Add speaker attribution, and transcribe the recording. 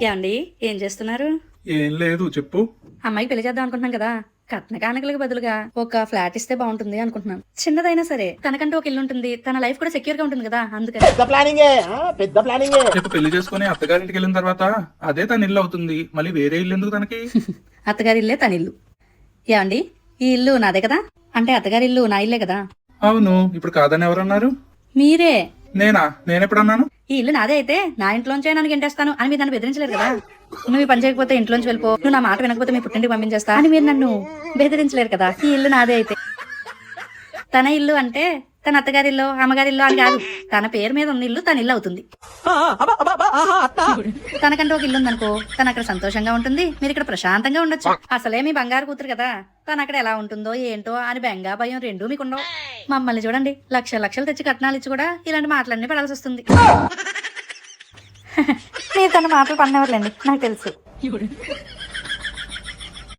Speaker 1: ఏమండి ఏం చేస్తున్నారు?
Speaker 2: ఏం లేదు చెప్పు.
Speaker 1: అమ్మాయికి పెళ్లి చేద్దాం అనుకుంటున్నాం కదా, కట్న కానుకలకు బదులుగా ఒక ఫ్లాట్ ఇస్తే బాగుంటుంది అనుకుంటున్నాం. చిన్నదైనా సరే తనకంటూ ఒక ఇల్లు ఉంటుంది, తన లైఫ్ కూడా సెక్యూర్ గా ఉంటుంది కదా, అందుకని.
Speaker 2: రేపు పెళ్లి చేసుకుని అత్తగారింటికి వెళ్ళిన తర్వాత అదే తన ఇల్లు అవుతుంది, మళ్ళీ వేరే ఇల్లు ఎందుకు తనకి?
Speaker 1: అత్తగారి ఇల్లే తన ఇల్లు. ఏమండి ఈ ఇల్లు నాదే కదా, అంటే అత్తగారి ఇల్లు నా ఇల్లే కదా.
Speaker 2: అవును, ఇప్పుడు కాదని ఎవరన్నారు?
Speaker 1: మీరే.
Speaker 2: నేనెప్పుడన్నాను?
Speaker 1: ఈ ఇల్లు నాదే అయితే నా ఇంట్లోంచే నన్ను గెంటేస్తాను అని మీరు నన్ను బెదిరించలేరు కదా. నువ్వు ఈ పని చేయకపోతే ఇంట్లోంచి వెళ్ళిపో, నువ్వు నా మాట వినకపోతే మీ పుట్టింటికి పంపించేస్తా అని మీరు నన్ను బెదిరించలేరు కదా. ఈ ఇల్లు నాదే అయితే. తన ఇల్లు అంటే తన అత్తగారి ఇల్లు అమ్మగారి ఇల్లు అని కాదు, తన పేరు మీద ఉన్న ఇల్లు తన ఇల్లు అవుతుంది. తనకంటే ఒక ఇల్లు ఉందనుకో, తను అక్కడ సంతోషంగా ఉంటుంది, మీరు ఇక్కడ ప్రశాంతంగా ఉండొచ్చు. అసలే మీ బంగారు కూతురు కదా, తను అక్కడ ఎలా ఉంటుందో ఏంటో అని బెంగా భయం రెండూ మీకుండవు. మమ్మల్ని చూడండి, లక్షలు తెచ్చి కట్నాలు ఇచ్చి కూడా ఇలాంటి మాటలన్నీ పడాల్సి వస్తుంది. మీరు తన మాటలు పడినవర్లేండి, నాకు తెలుసు.